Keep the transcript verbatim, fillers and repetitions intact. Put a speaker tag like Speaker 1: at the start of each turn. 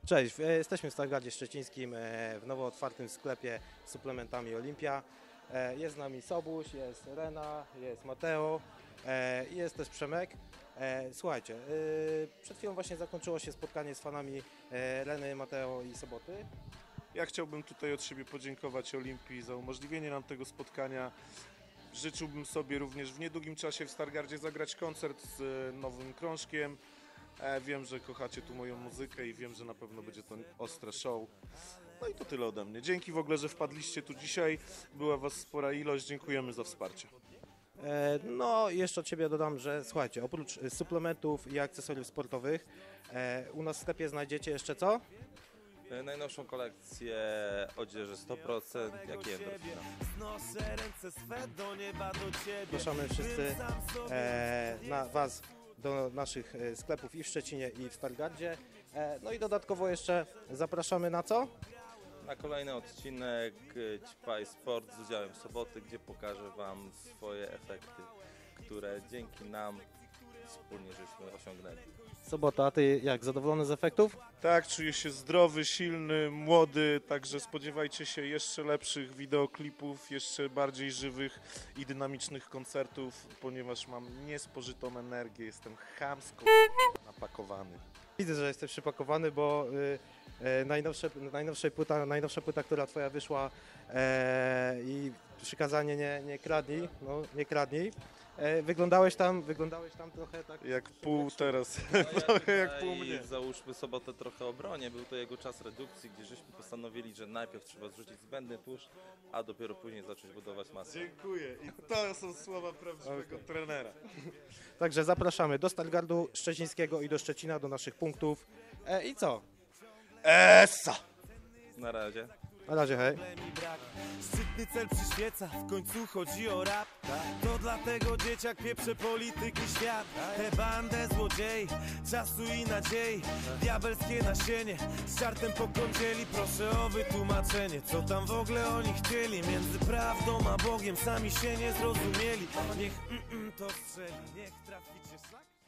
Speaker 1: Cześć, e, jesteśmy w Stargardzie Szczecińskim e, w nowo otwartym sklepie z suplementami Olimpia. E, Jest z nami Sobuś, jest Rena, jest Mateo e, i jest też Przemek. E, Słuchajcie, e, przed chwilą właśnie zakończyło się spotkanie z fanami e, Reny, Mateo i Soboty.
Speaker 2: Ja chciałbym tutaj od siebie podziękować Olimpii za umożliwienie nam tego spotkania. Życzyłbym sobie również w niedługim czasie w Stargardzie zagrać koncert z e, nowym krążkiem. E, Wiem, że kochacie tu moją muzykę i wiem, że na pewno będzie to ostre show. No i to tyle ode mnie. Dzięki w ogóle, że wpadliście tu dzisiaj. Była was spora ilość. Dziękujemy za wsparcie.
Speaker 1: E, No i jeszcze od Ciebie dodam, że słuchajcie, oprócz e, suplementów i akcesoriów sportowych e, u nas w sklepie znajdziecie jeszcze co?
Speaker 3: Najnowszą kolekcję odzieży sto procent, jak i endorfina.
Speaker 1: Zapraszamy wszyscy e, na Was do naszych e, sklepów i w Szczecinie, i w Stargardzie. E, no i dodatkowo jeszcze zapraszamy na co?
Speaker 3: Na kolejny odcinek Ćpaj Sport z udziałem Soboty, gdzie pokażę Wam swoje efekty, które dzięki nam wspólnie żeśmy osiągnęli.
Speaker 1: Sobota, a Ty jak, zadowolony z efektów?
Speaker 2: Tak, czuję się zdrowy, silny, młody, także spodziewajcie się jeszcze lepszych wideoklipów, jeszcze bardziej żywych i dynamicznych koncertów, ponieważ mam niespożytą energię, jestem chamsko napakowany.
Speaker 1: Widzę, że jesteś przypakowany, bo y, y, najnowsze, najnowsza, płyta, najnowsza płyta, która Twoja wyszła e, i przykazanie nie, nie kradnij, no nie kradnij. E, wyglądałeś tam, wyglądałeś tam trochę tak...
Speaker 2: Jak pół teraz,
Speaker 3: No,
Speaker 2: trochę
Speaker 3: ja
Speaker 2: jak
Speaker 3: tutaj
Speaker 2: pół mnie.
Speaker 3: Załóżmy Sobotę trochę obronię, był to jego czas redukcji, gdzie żeśmy postanowili, że najpierw trzeba zrzucić zbędny tłuszcz, a dopiero później zacząć budować masę.
Speaker 2: Dziękuję i to są słowa prawdziwego
Speaker 1: Okay.
Speaker 2: trenera.
Speaker 1: Także zapraszamy do Stargardu Szczecińskiego i do Szczecina, do naszych punktów. E, I co?
Speaker 2: Essa!
Speaker 3: Na razie.
Speaker 1: Na razie, hej.
Speaker 4: Szczytny cel przyświeca, w końcu chodzi o rap. To dlatego dzieciak pieprze polityki świat. Tę bandę złodziei, czasu i nadziei. Diabelskie nasienie, z czartem po kądzieli. Proszę o wytłumaczenie, co tam w ogóle oni chcieli. Między prawdą a Bogiem sami się nie zrozumieli. Niech mm, mm, to strzeli, niech traficie szlak.